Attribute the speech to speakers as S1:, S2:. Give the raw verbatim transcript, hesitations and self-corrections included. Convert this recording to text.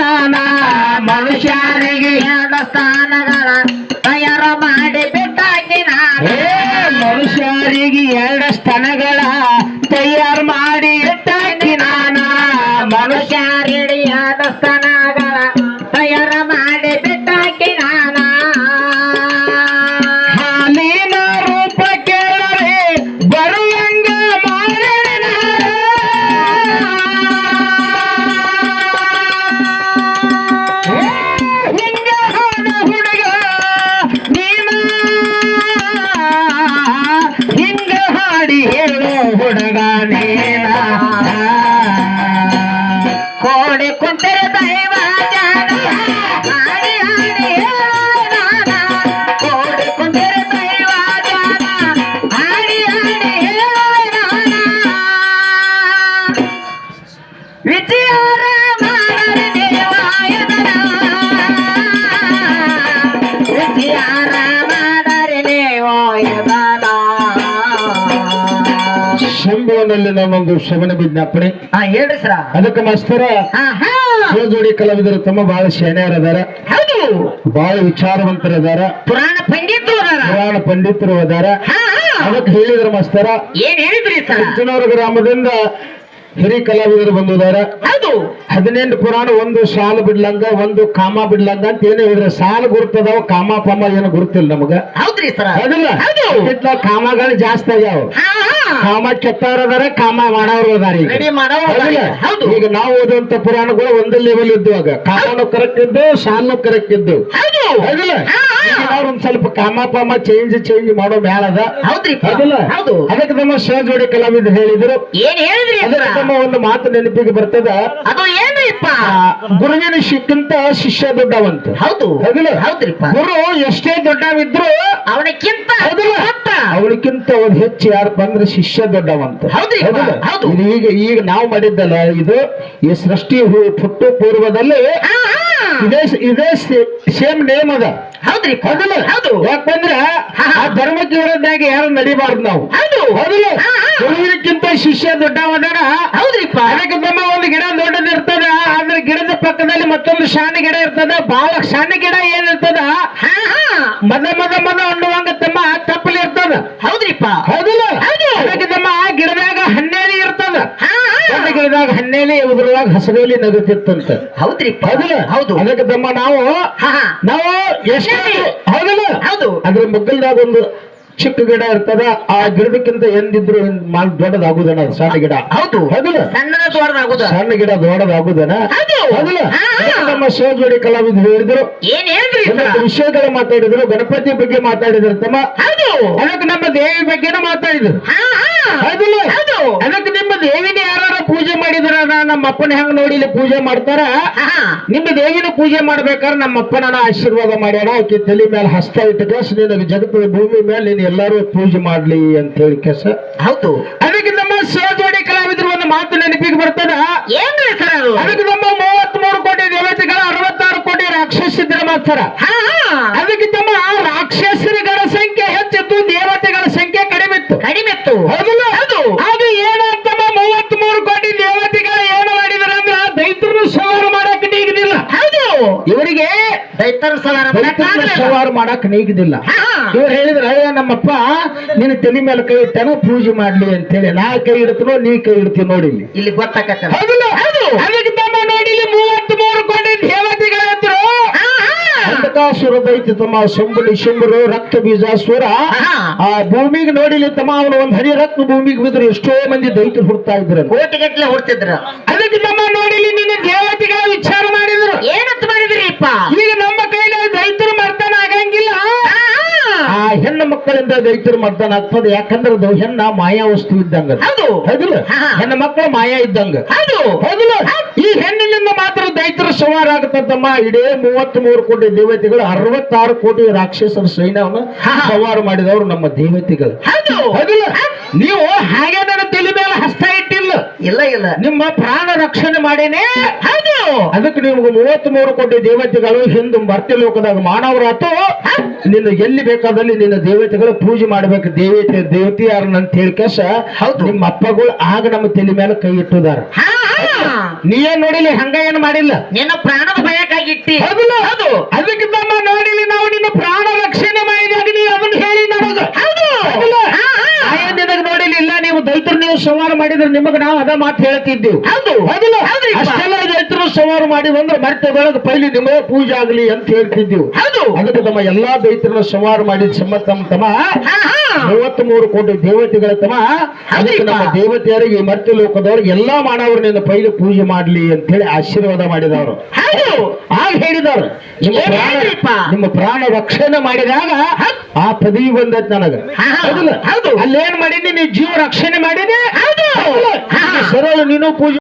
S1: ನಾನ ಮನುಷ್ಯರಿಗೆ ಎರಡು ಸ್ಥಾನಗಳ ತಯಾರ ಮಾಡಿ ಬಿಟ್ಟಾಕಿ ನಾನು ಮನುಷ್ಯರಿಗೆ ಎರಡು ಸ್ಥಾನಗಳ ತಯಾರು ಮಾಡಿ ಇಟ್ಟಾಕಿ ನಾನ ಮನುಷ್ಯರಿಗೆ ಎರಡು ಸ್ಥಾನಗಳ ತಯಾರ ಮಾಡಿ ಬಿಟ್ಟಾಕಿ ನಾನ ಹಾಲಿನ ರೂಪ ಕೇಳರೆ ಬರುವಂಗ ಮಾಡಿದ ಹಿಂಗ ಹಾಡ ಹುಡುಗ ನೀನ ಹಿಂಗ ಹಾಡಿ ಹೇಳೋ ಹುಡುಗ ನೀನ ಕೋಡಿ ಕುಂತಿರ ದೈವ ಜಾನ ಹಾಡಿ ಹಾಡಿ ಹೇಳೋ ನಾನ ಕೋಡಿ ಕುಂತಿರ ದೈವ ಜಾನ ಹಾಡಿ ಹಾಡಿ ಹೇಳೋ ನಾನ ವಿಜಯಾರ ಮಾಡರಿ ದೇವಾಯತನ ವಿಜಯಾರ ಮಾಡರಿ ದೇವಾಯತನ
S2: ಶಂಭುವನಲ್ಲಿ ನಾನೊಂದು ಶ್ರವಣ ವಿಜ್ಞಾಪನೆ
S1: ಹಾ ಹೇಳ್ರಿ ಸರ
S2: ಅದಕ್ಕೆ ಮಾಸ್ತರ ಜೋಡಿ ಕಲಾವಿದರು ತಮ್ಮ ಬಹಳ ಶಾನ್ಯರದಾರ
S1: ಹೌದು
S2: ಬಹಳ ವಿಚಾರವಂತರದಾರ
S1: ಪುರಾಣ ಪಂಡಿತರು ಅದಾರ
S2: ಪುರಾಣ ಪಂಡಿತರು ಅದಾರ
S1: ಹಾ
S2: ಅದಕ್ಕೆ ಹೇಳಿದ್ರ ಮಾಸ್ತರ
S1: ಏನ್ ಹೇಳಿದ್ರಿ ಸರ
S2: ಹೆಚ್ಚಿನವರ ಗ್ರಾಮದಿಂದ ಹಿರಿ ಕಲಾವಿದರು ಬಂದಿದಾರ
S1: ಹೌದು
S2: ಹದಿನೆಂಟು ಪುರಾಣ ಒಂದು ಸಾಲು ಬಿಡ್ಲಂಗ ಒಂದು ಕಾಮ ಬಿಡ್ಲಂಗ ಅಂತ ಏನು ಹೇಳಿದ್ರೆ ಸಾಲು ಗುರುತದಾವ ಕಾಮ ಪಾಮ ಏನು ಗುರುತಿಲ್ಲ ನಮಗ
S1: ಹೌದ್ರಿ ಸರ
S2: ಹೌದಿಲ್ಲ
S1: ಹೌದು
S2: ಇಟ್ಲ ಕಾಮಗಳು ಜಾಸ್ತಿ ಆಗ್ಯಾವ
S1: ಹಾ
S2: ಕಾಮ ಕೆಟ್ಟವ್ರು ಅದಾರ ಕಾಮ ಮಾಡೋರು ಅದಾರ ಈಗ
S1: ರೆಡಿ ಮಾಡೋ
S2: ಹೌದಿಲ್ಲ?
S1: ಹೌದು
S2: ಈಗ ನಾವು ಓದುವಂತ ಪುರಾಣಗಳು ಒಂದೇ ಲೆವೆಲ್ ಇದ್ದುವಾಗ ಕಾಮನು ಕರೆಕ್ಟ್ ಇದ್ದು ಸಾಲು ಕರೆಕ್ಟ್ ಇದ್ದು
S1: ಹೌದು
S2: ಹೌದಿಲ್ಲ
S1: ಹಾ, ಹಾ.
S2: ಈಗ ನಾವು ಒಂದ್ ಸ್ವಲ್ಪ ಕಾಮ ಪಾಮ ಚೇಂಜ್ ಚೇಂಜ್ ಮಾಡೋ ಮ್ಯಾಲ ಅದ
S1: ಹೌದ್ರಿ
S2: ಹೌದಿಲ್ಲ
S1: ಹೌದು
S2: ಅದಕ್ಕೆ ನಮ್ಮ ಸಹಜೋಡಿ ಕಲಾವಿದರು ಹೇಳಿದ್ರು
S1: ಏನ್ ಹೇಳಿದ್ರಿ ಸರ
S2: ಅದಕ್ಕೆ ನಮ್ಮ ಒಂದು ಮಾತು ನೆನಪಿಗೆ ಬರ್ತದ
S1: ಅದು ಏನ್ರಿಪ್ಪ
S2: ಆ, ಗುರುವಿನ ಶಿಕ್ಕಿಂತ ಶಿಷ್ಯ ದೊಡ್ಡವಂತ
S1: ಹೌದು
S2: ಹೌದಿಲ್ಲ
S1: ಹೌದ್ರಿಪ್ಪ
S2: ಗುರು ಎಷ್ಟೇ ದೊಡ್ಡವಿದ್ರು
S1: ಅವನಕ್ಕಿಂತ
S2: ಹೌದಿಲ್ಲ
S1: ಗೊತ್ತ.
S2: ಅವಳಿಗಿಂತ ಒಂದು ಹೆಚ್ಚು ಯಾರಪ್ಪ ಅಂದ್ರೆ ಶಿಷ್ಯ ದೊಡ್ಡವಂತ
S1: ಹೌದ್ರಿ
S2: ಹೌದಿಲ್ಲ?
S1: ಹೌದು
S2: ಇದು ಈಗ ಈಗ ನಾವು ಮಾಡಿದ್ದಲ್ಲ ಇದು ಈ ಸೃಷ್ಟಿ ಹು- ಹುಟ್ಟು ಪೂರ್ವದಲ್ಲಿ
S1: ಹಾ, ಹಾ.
S2: ಇದೇ ಇದೇ ಸೇಮ್ ನೇಮ್ ಅದ
S1: ಹೌದ್ರಿ
S2: ಹೌದಿಲ್ಲ
S1: ಹೌದು
S2: ಯಾಕಂದ್ರ
S1: ಹಾ.
S2: ಆ ಧರ್ಮಕ್ಕೆ ವಿರೋಧಾಗಿ ಯಾರು ನಡಿಬಾರ್ದು ನಾವು
S1: ಹೌದು
S2: ಹೌದಿಲ್ಲ
S1: ಹಾ, ಹಾ.
S2: ಗುರುವಿನಕ್ಕಿಂತ ಶಿಷ್ಯ ದೊಡ್ಡವದಾರ
S1: ಹೌದ್ರಿಪ್ಪ
S2: ಅದಕ್ಕೆ ನಮ್ಮ ಒಂದು ಗಿಡ ದೊಡ್ಡದಿರ್ತದ ಆದ್ರೆ ಗಿಡದ ಪಕ್ಕದಲ್ಲಿ ಮತ್ತೊಂದು ಶಾಣ ಗಿಡ ಇರ್ತದ ಬಹಳ ಸಣ್ಣ ಗಿಡ ಏನಿರ್ತದ
S1: ಹಾ, ಹಾ.
S2: ಮದ ಮದ ಮದ ಅನ್ನುವಂಗ ತಮ್ಮ ತಪ್ಪಲಿ ಇರ್ತದ
S1: ಹೌದ್ರಿಪ್ಪ
S2: ಹೌದಿಲ್ಲ
S1: ಹೌದು.
S2: ಅದಕ್ಕೆ ತಮ್ಮ ಆ ಗಿಡದಾಗ ಹನ್ನೇಲಿ ಇರ್ತದ
S1: ಹಾ, ಹಾ.
S2: ಒಂದು ಗಿಡದಾಗ ಹನ್ನೇಲಿ ಉದುರುವಾಗ ಹಸರೇಲಿ ನಗುತ್ತಿತ್ತಂತ
S1: ಹೌದ್ರಿಪ್ಪ
S2: ಹೌದಿಲ್ಲ
S1: ಹೌದು
S2: ಅದಕ್ಕೆ ತಮ್ಮ ನಾವು
S1: ಹಾ, ಹಾ.
S2: ನಾವು ಎಷ್ಟು ಹೌದಿಲ್ಲ
S1: ಹೌದು
S2: ಅದ್ರ ಮಗ್ಗಲ್ದಾಗ ಒಂದು ಚಿಕ್ಕ ಗಿಡ ಇರ್ತದ ಆ ಗಿಡದಕ್ಕಿಂತ ಎಂದಿದ್ರು ಮಾಲ್ ದೊಡ್ಡದಾಗುದನ ಅದು ಸಣ್ಣ ಗಿಡ
S1: ಹೌದು
S2: ಹೌದಿಲ್ಲ
S1: ಸಣ್ಣದ ದೊಡ್ಡದಾಗುದ
S2: ಸಣ್ಣ ಗಿಡ ದೊಡ್ಡದಾಗುದನ
S1: ಹೌದು.
S2: ಹೌದಿಲ್ಲ
S1: ಹಾ.
S2: ಅದಕ್ಕೆ ನಮ್ಮ ಸಹಜೋಡಿ ಕಲಾವಿದರು ಹೇಳಿದ್ರು
S1: ಏನ್ ಹೇಳ್ರಿ ಸರ
S2: ಒಂದಷ್ಟು ವಿಷಯಗಳು ಮಾತಾಡಿದ್ರು ಗಣಪತಿ ಬಗ್ಗೆ ಮಾತಾಡಿದ್ರು ತಮ್ಮ
S1: ಹೌದು
S2: ಅದಕ್ಕೆ ನಮ್ಮ ದೇವಿ ಬಗ್ಗೆನೂ ಮಾತಾಡಿದ್ರು
S1: ಹಾ, ಹಾ.
S2: ಹೌದಿಲ್ಲ
S1: ಹೌದು
S2: ಅದಕ್ಕೆ ನಿಮ್ಮ ದೇವಿನ ಯಾರು ಪೂಜೆ ಮಾಡಿದ್ರ ನಮ್ಮ ಅಪ್ಪನ ಹೆಂಗ್ ನೋಡಿ ಇಲ್ಲಿ ಪೂಜೆ ಮಾಡ್ತಾರ
S1: ಹಾ, ಹಾ.
S2: ನಿಮ್ಮ ದೇವಿನ ಪೂಜೆ ಮಾಡ್ಬೇಕಾದ್ರೆ ನಮ್ಮ ಅಪ್ಪನ ಆಶೀರ್ವಾದ ಮಾಡ್ಯಾರ ಆಕೆ ತಲೆ ಮೇಲೆ ಹಸ್ತ ಇಟ್ಟು ಕೇಸ ನಿನಗೆ ಜಗತ್ತದ ಭೂಮಿ ಮೇಲೆ ನೀನು ಎಲ್ಲಾರು ಪೂಜೆ ಮಾಡ್ಲಿ ಅಂತ ಹೇಳಿ ಕೇಸ
S1: ಹೌದು
S2: ಅದಕ್ಕೆ ನಮ್ಮ ಸಹಜೋಡಿ ಕಲಾವಿದರು ಒಂದು ಮಾತು ನೆನಪಿಗೆ ಬರ್ತದ
S1: ಏನ್ರಿ ಸರ್ ಅದು
S2: ಅದಕ್ಕೆ ನಮ್ಮ ಮೂವತ್ತ್ ಮೂರು ಕೋಟಿ ದೇವತೆಗಳ ಅರವತ್ತಾರು ಕೋಟಿ ರಾಕ್ಷಸಿದ್ರ ಮಾಸ್ತರ
S1: ಹಾ, ಹಾ.
S2: ಅದಕ್ಕೆ ತಮ್ಮ ರಾಕ್ಷಸರಿಗಳ ಸಂಖ್ಯೆ ಹೆಚ್ಚಿತ್ತು ದೇವತೆಗಳ ಸಂಖ್ಯೆ ಕಡಿಮೆ ಇತ್ತು
S1: ಕಡಿಮೆ ಇತ್ತು
S2: ಹೌದಿಲ್ಲ
S1: ಹೌದು
S2: ಅದು ಏನಾಗ್ತಮ್ಮ ಮೂವತ್ತ್ ಮೂರು ಕೋಟಿ ದೇವತೆಗಳು ಏನು ಮಾಡಿದಾರೆ ಅಂದ್ರ ದೈತ್ರನು ಸವಾರು ಮಾಡಕ್ ನೀಗದಿಲ್ಲ
S1: ಹೌದು
S2: ಇವರಿಗೆ
S1: ದೈತರ ಸವಾರ
S2: ದೈತ್ರನ ಸವಾರು ಮಾಡಕ್ ನೀಗದಿಲ್ಲ
S1: ಹಾ, ಹಾ.
S2: ಇವ್ರು ಹೇಳಿದ್ರ ಅಯ್ಯ ನಮ್ಮಪ್ಪ ನಿನ್ನ ತಲೆ ಮೇಲೆ ಕೈ ಇಟ್ಟಾನ ಪೂಜೆ ಮಾಡ್ಲಿ ಅಂತ ಹೇಳಿ ನಾ ಕೈ ಇಡ್ತೀನೋ ನೀ ಕೈ ಇಡ್ತೀವಿ ನೋಡಿ ಇಲ್ಲಿ
S1: ಇಲ್ಲಿ ಗೊತ್ತಾಗತ್ತ
S2: ಹೌದಿಲ್ಲ ಅದಕ್ಕೆ ತಮ್ಮ ನೋಡಿ ಇಲ್ಲಿ ಮೂವತ್ತ್ ಮೂರು ಕೋಟಿ ದೇವತೆಗಳಿದ್ರು ಅಂಧಕಾಸುರ ದೈತ್ಯ ತಮ್ಮ ಶಂಭು ನಿಶಂಬರು ರಕ್ತ ಬೀಜಾಸುರ
S1: ಹಾ.
S2: ಆ ಭೂಮಿಗೆ ನೋಡಿಲಿ ತಮ್ಮ ಅವನು ಒಂದ್ ಹನಿ ರಕ್ತ ಭೂಮಿಗೆ ಬಿದ್ರು ಎಷ್ಟೋ ಮಂದಿ ದೈತ್ಯರು ಹುಡ್ತಾ ಇದ್ರು
S1: ಕೋಟಿಗಟ್ಲೆ ಹುಡ್ತಿದ್ರ
S2: ಅದಕ್ಕೆ ತಮ್ಮ ನೋಡಿಲಿ ನಿನ್ನ ದೇವತೆಗಳ ವಿಚಾರ ಮಾಡಿದ್ರು
S1: ಏನಂತ ಮಾಡಿದ್ರಿಪ್ಪ
S2: ಈಗ ನಮ್ಮ ಕೈಲಿ ದೈತ್ಯರು ಮರ್ದನ ಆಗಂಗಿಲ್ಲ
S1: ಹಾ, ಹಾ.
S2: ಆ ಹೆಣ್ಣು ಮಕ್ಕಳಿಂದ ದೈತ್ಯರು ಮರ್ದನ ಆಗ್ತದೆ ಯಾಕಂದ್ರೆ ಅದು ಹೆಣ್ಣ ಮಾಯಾ ವಸ್ತು ಇದ್ದಂಗ
S1: ಹೌದು
S2: ಹೌದಿಲ್ಲ
S1: ಹಾ.
S2: ಹೆಣ್ಣು ಮಕ್ಕಳು ಮಾಯಾ ಇದ್ದಂಗ
S1: ಹೌದು
S2: ಹೌದಿಲ್ಲ ಈ ಹೆಣ್ಣಿನಿಂದ ಮಾತ್ರ ದೈತ್ಯರ ಸವಾರ ಆಗತ್ತಮ್ಮ ಇಡೀ ಮೂವತ್ತ್ ಮೂರು ಕೋಟಿ ದೇವತೆಗಳು ಅರವತ್ತಾರು ಕೋಟಿ ರಾಕ್ಷಸರ ಸೈನ್ಯವನ್ನು
S1: ಹಾ.
S2: ಸವಾರು ಮಾಡಿದವರು ನಮ್ಮ ದೇವತೆಗಳು
S1: ಹೌದು
S2: ಹೌದಿಲ್ಲ ನೀವು ಹಾಗೆ ನನ್ನ ತಲೆ ಮೇಲೆ ಹಸ್ತ ಇಟ್ಟಿಲ್ಲ
S1: ಇಲ್ಲ ಇಲ್ಲ
S2: ನಿಮ್ಮ ಪ್ರಾಣ ರಕ್ಷಣೆ ಮಾಡೇನೆ
S1: ಹೌದು
S2: ಅದಕ್ಕೆ ನಿಮ್ಗೆ ಮೂವತ್ತ್ ಮೂರು ಕೋಟಿ ದೇವತೆಗಳು ಹಿಂದೆ ಮರ್ತ್ಯ ಲೋಕದಾಗ ಮಾನವರಾತು ನಿನ್ನ ಎಲ್ಲಿ ಬೇಕಾದಲ್ಲಿ ನಿನ್ನ ದೇವತೆಗಳು ಪೂಜೆ ಮಾಡ್ಬೇಕು ದೇವತೆ ದೇವತೆ ಯಾರನ್ನ ಅಂತ ಹೇಳಿ ಕೇಸ
S1: ಹೌದು.
S2: ನಿಮ್ಮ ಅಪ್ಪಗಳು ಆಗ ನಮ್ಮ ತಲೆ ಮೇಲೆ ಕೈ ಇಟ್ಟಿದಾರ
S1: ಹಾ, ಹಾ.
S2: ನೀ ಏನ್ ನೋಡಿಲ್ಲ ಹಂಗ ಏನ್ ಮಾಡಿಲ್ಲ
S1: ನಿನ್ನ ಪ್ರಾಣದ ಭಯಕ್ಕಾಗಿಟ್ಟಿ
S2: ಹೌದಿಲ್ಲ ಹೌದು ಅದಕ್ಕೆ ತಮ್ಮ ನೋಡಿಲಿ ನಾವು ನಿನ್ನ ಪ್ರಾಣ ರಕ್ಷಣೆ ಮಾಡಿದಾಗ ನೀ ಅದನ್ನ ಹೇಳಿ ನಮಗ
S1: ಹೌದು
S2: ಹೌದಿಲ್ಲ? ನಾ ಏನ್ ನಿನಗ್ ನೋಡಿಲ್ಲ ಇಲ್ಲ ನೀವು ದೈತರು ನೀವು ಸಂಹಾರ ಮಾಡಿದ್ರೆ ನಿಮಗ ನಾವು ಅದ ಮಾತು ಹೇಳ್ತಿದ್ದೀವಿ
S1: ಹೌದು
S2: ಹೌದಿಲ್ಲ
S1: ಹೌದ್ರಿಪ್ಪ.
S2: ಅಷ್ಟೆಲ್ಲ ದೈತರು ಸಂಹಾರ ಮಾಡಿವಂದ್ರೆ ಮತ್ತೆ ಬೆಳಗ್ಗೆ ಪೈಲಿ ನಿಮಗೆ ಪೂಜೆ ಆಗ್ಲಿ ಅಂತ ಹೇಳ್ತಿದ್ದೀವಿ
S1: ಹೌದು
S2: ಅದಕ್ಕೆ ತಮ್ಮ ಎಲ್ಲಾ ದೈತರನ್ನ ಸಂಹಾರ ಮಾಡಿದ ಸಮ್ಮತ ತಮ್ಮ ತಮ್ಮ
S1: ಹಾ ಹಾ
S2: ಮೂವತ್ತ್ ಮೂರು ಕೋಟಿ ದೇವತೆಗಳ ತಮ್ಮ ಅದಕ್ಕೆ ನಮ್ಮ ದೇವತೆಯರಿಗೆ ಈ ಮರ್ತ್ಯ ಲೋಕದವ್ರಿಗೆ ಎಲ್ಲಾ ಮಾನವರು ನಿನ್ನ ಪೈಲಿ ಪೂಜೆ ಮಾಡ್ಲಿ ಅಂತ ಹೇಳಿ ಆಶೀರ್ವಾದ ಮಾಡಿದವರು
S1: ಹೌದು
S2: ಆಗ ಹೇಳಿದವರು ನಿಮ್ಮ
S1: ಏನ್
S2: ಪ್ರಾಣ
S1: ಹೇಳಿದ್ರಿಪ್ಪ?
S2: ನಿಮ್ಮ ಪ್ರಾಣ ರಕ್ಷಣೆ ಮಾಡಿದಾಗ ಆ ಪದವಿ ಬಂದೈತ್ ನನಗ
S1: ಹಾ, ಹಾ.
S2: ಹೌದಿಲ್ಲ
S1: ಹೌದು.
S2: ಅಲ್ಲೇನ್ ಮಾಡೀನಿ ನೀ ಜೀವ ರಕ್ಷಣೆ ಮಾಡೀನಿ
S1: ಹೌದು.
S2: ಹೌದಿಲ್ಲ?
S1: ಹಾ.
S2: ಸರಳ ನೀನು ಪೂಜೆ